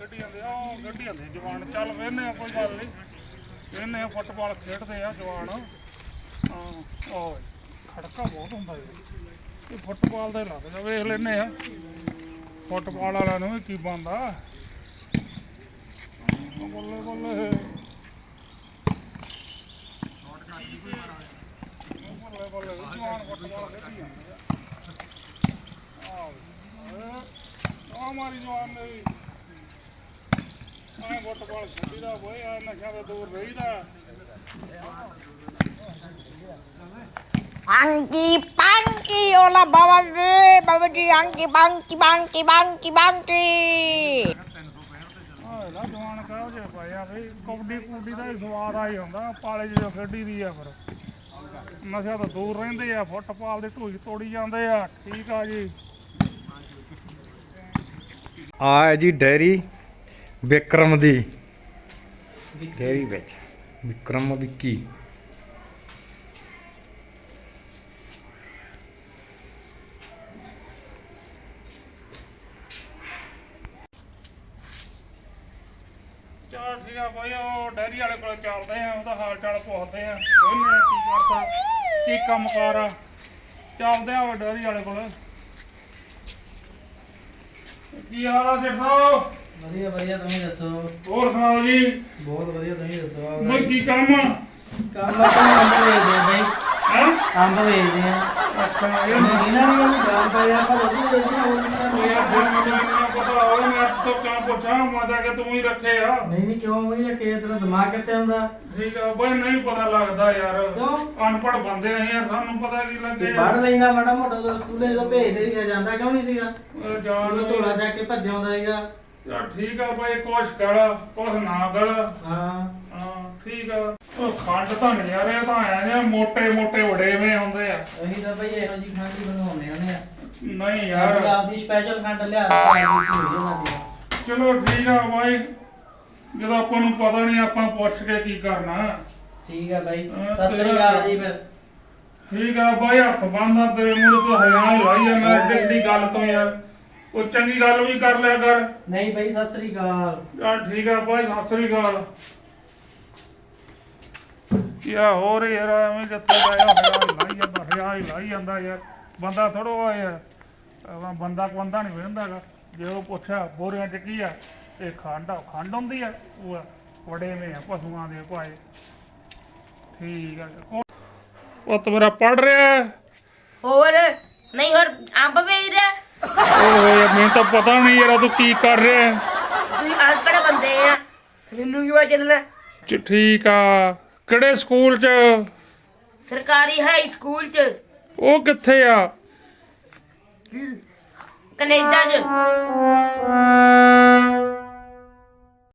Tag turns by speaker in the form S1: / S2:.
S1: ਖੇਡੀ ਜਾਂਦੇ ਆ ਖੇਡੀ ਜਾਂਦੇ ਜਵਾਨ ਚੱਲ ਵੇਹਨੇ ਆ ਕੋਈ ਗੱਲ ਨਹੀਂ ਵੇਹਨੇ ਆ ਫੁੱਟਬਾਲ ਖੇਡਦੇ ਆ ਜਵਾਨ ਆਹ ਖੜਕਾ ਬਹੁਤ ਹੁੰਦਾ ਇਹ ਫੁੱਟਬਾਲ ਦਾ ਹੀ ਲੱਗਦਾ ਵੇਖ ਲੈਨੇ ਆ ਫੁੱਟਬਾਲ ਵਾਲਿਆਂ ਨੂੰ ਵੀ ਕੀ ਬਣਦਾ ਬੱਲੇ ਬੱਲੇ ਬੱਲੇ ਜਵਾਨ ਫੁੱਟਬਾਲ ਖੇਡੀ ਜਾਂਦੇ ਆ ਮਾਰੀ ਜਵਾਨ ਨੇ ਵੀ ਫੁੱਟਬਾਲ ਖੇਡੀ ਦਾ ਬੋਏ ਆ ਨਸ਼ਿਆਂ ਤੋਂ ਦੂਰ ਰਹੀਦਾ
S2: Angki pangki olah bawa di angki bangki.
S1: ਇਹਦਾ ਜਵਾਨ ਕਹੋ ਜੇ ਪਾਇਆ ਬਈ ਕਬੱਡੀ ਕੁੱਡੀ ਦਾ ਹੀ ਸਵਾਦ ਆ ਹੀ ਹੁੰਦਾ ਪਾਲੇ ਜਦੋਂ ਖੇਡੀ ਦੀ ਆ ਫਿਰ ਨਸ਼ਾ ਤੋਂ ਦੂਰ ਰਹਿੰਦੇ ਆ ਫੁੱਟਬਾਲ ਦੀ ਢੂਈ ਤੋੜੀ ਜਾਂਦੇ ਆ ਠੀਕ ਆ ਜੀ
S3: ਆ ਹੈ ਜੀ ਡੈਰੀ ਵਿਕਰਮ ਦੀ ਡੈਰੀ ਵਿੱਚ ਵਿਕਰਮ ਵਿੱਕੀ
S1: ਚਲ ਠੀਕ ਆ ਬਾਈ ਉਹ ਡੈਰੀ ਵਾਲੇ ਕੋਲ ਚੱਲਦੇ ਆ ਉਹਦਾ ਹਾਲ ਚਾਲ ਪੁੱਛਦੇ ਆ ਉਹਨੇ ਕੀ ਕਰਦਾ ਕੀ ਕੰਮ ਕਾਰ ਆ ਚੱਲਦੇ ਆ ਡੈਰੀ ਵਾਲੇ ਕੋਲ ਕੀ ਹਾਲ ਆ ਸੇਠ ਸਾਹਿਬ
S4: ਵਧੀਆ ਵਧੀਆ ਤੁਸੀਂ ਦੱਸੋ
S1: ਹੋਰ ਸੁਣਾਓ ਜੀ
S4: ਬਹੁਤ ਵਧੀਆ ਤੁਸੀਂ ਦੱਸੋ
S1: ਬਈ ਕੀ ਕੰਮ ਆ
S4: ਕੰਮ ਆਪਾਂ ਅੰਬ ਵੇਚਦੇ ਆ ਬਾਈ
S1: ਹੈਂ
S4: ਅੰਬ ਵੇਚਦੇ ਆ
S1: ਅੱਛਾ
S4: ਇਹਨਾਂ ਦੀ ਗੱਲ ਜਾਣ ਪਈ ਆਪਾਂ ਰੋਟੀ ਵੇਚਦੇ ਆ ਹੋਰ
S1: ਉਹ ਯਾਰ ਫਿਰ ਮੈਨੂੰ ਇੰਨਾ ਪਤਾ ਹੋਵੇ ਮੈਂ ਤੋਂ ਕਿਉਂ ਪੁੱਛਾਂ ਮੈਂ ਤਾਂ ਕਿ ਤੂੰ ਹੀ ਰੱਖੇ ਆ
S4: ਨਹੀਂ ਕਿਉਂ ਨਹੀਂ ਰੱਖੇ ਤੇਰਾ ਦਿਮਾਗ ਕਿੱਥੇ ਹੁੰਦਾ
S1: ਠੀਕ ਆ ਬਈ ਨਹੀਂ ਪਤਾ ਲੱਗਦਾ ਯਾਰ
S4: ਕਿਉਂ
S1: ਅਨਪੜ੍ਹ ਬੰਦੇ ਆ ਯਾਰ ਸਾਨੂੰ ਪਤਾ ਕੀ ਲੱਗੇ
S4: ਪੜ ਲੈਂਦਾ ਮਾੜਾ ਮੋਟਾ ਤੋਂ ਸਕੂਲੇ ਤੋਂ ਭੇਜਦੇ ਸੀਗਾ ਜਾਂਦਾ ਕਿਉਂ ਨਹੀਂ ਸੀਗਾ
S1: ਜਾਣ
S4: ਉਹ ਝੋਲਾ ਚੱਕ ਕੇ ਭੱਜ ਆਉਂਦਾ ਸੀਗਾ
S1: ਯਾਰ ਠੀਕ ਆ ਬਾਈ ਕੁਛ ਕਰ ਕੁਛ ਨਾ ਕਰ
S4: ਹਾਂ
S1: ਹਾਂ ਠੀਕ ਆ ਉਹ ਖੰਡ ਤਾਂ ਨਹੀਂ ਯਾਰ ਇਹ ਤਾਂ ਆਇਆ ਨੇ ਮੋਟੇ ਮੋਟੇ ਵੜੇਵੇਂ ਹੁੰਦੇ ਆ
S4: ਅਸੀਂ ਤਾਂ ਬਈ ਇਹੋ ਜੀ ਖੰਡ ਹੀ ਬਣਾਉਂਦੇ ਹੁੰਦੇ ਆ
S1: ਨਹੀਂ ਯਾਰ
S4: ਆਪਦੀ ਸਪੈਸ਼ਲ ਖੰਡ ਲਿਆ ਕੇ ਇਹਨਾਂ ਦੀ
S1: ਚਲੋ ਠੀਕ ਆ ਬਾਈ ਜਦੋਂ ਆਪਾਂ ਨੂੰ ਪਤਾ ਨਹੀਂ ਆਪਾਂ ਪੁੱਛ ਕੇ ਕੀ ਕਰਨਾ
S4: ਠੀਕ ਆ ਬਾਈ ਸਤਿ ਸ੍ਰੀ ਅਕਾਲ ਜੀ ਫਿਰ
S1: ਠੀਕ ਆ ਬਾਈ ਹੱਥ ਬੰਨਦਾ ਤੇਰੇ ਮੂਹਰੇ ਤੋਂ ਹਜ਼ਾਰ ਲਾਈ ਜਾਂਦਾ ਏਡੀ ਗੱਲ ਤੋਂ ਯਾਰ ਉਹ ਚੰਗੀ ਗੱਲ ਵੀ ਕਰ ਲਿਆ ਕਰ
S4: ਨਹੀਂ ਬਾਈ ਸਤਿ ਸ੍ਰੀ ਅਕਾਲ
S1: ਯਾਰ ਠੀਕ ਆ ਬਾਈ ਸਤਿ ਸ੍ਰੀ ਅਕਾਲ ਯਾ ਹੋਰ ਯਾਰ ਐਵੇਂ ਜਿੱਥੇ ਹਜ਼ਾਰ ਲਾਈ ਜਾਂਦਾ ਯਾਰ ਬੰਦਾ ਥੋੜੋ ਆ ਯਾਰ ਬੰਦਾ ਨਹੀਂ ਵੇਂਦਾਗਾ ਜੇ ਉਹ ਪੁੱਛਿਆ ਬੋਰੀਆਂ ਚ ਕੀ ਆ ਇਹ ਖੰਡ ਹੁੰਦੀ ਆ ਉਹ ਵੜੇਵੇਂ ਆ ਪਸ਼ੂਆਂ ਦੇ ਭਾਏ ਠੀਕ ਆ ਪੁੱਤ ਮੇਰਾ ਪੜ ਰਿਹਾ
S2: ਹੋਰ ਨਹੀਂ ਹੋਰ ਅੰਬ ਵੇਚ ਰਿਹਾ
S1: ਓਏ ਮੈਨੂੰ ਤਾਂ ਪਤਾ ਨਹੀਂ ਯਾਰ ਤੂੰ ਕੀ ਕਰ ਰਿਹਾ
S2: ਤੁਸੀਂ ਅਨਪੜ੍ਹ ਬੰਦੇ ਆ ਮੈਨੂੰ ਕੀ ਪਤਾ ਚੱਲਣਾ
S1: ਠੀਕ ਆ ਕਿਹੜੇ ਸਕੂਲ ਚ
S2: ਸਰਕਾਰੀ ਹਾਈ ਸਕੂਲ ਚ
S1: ਉਹ ਕਿੱਥੇ ਆ
S2: ਕੈਨੇਡਾ ਚ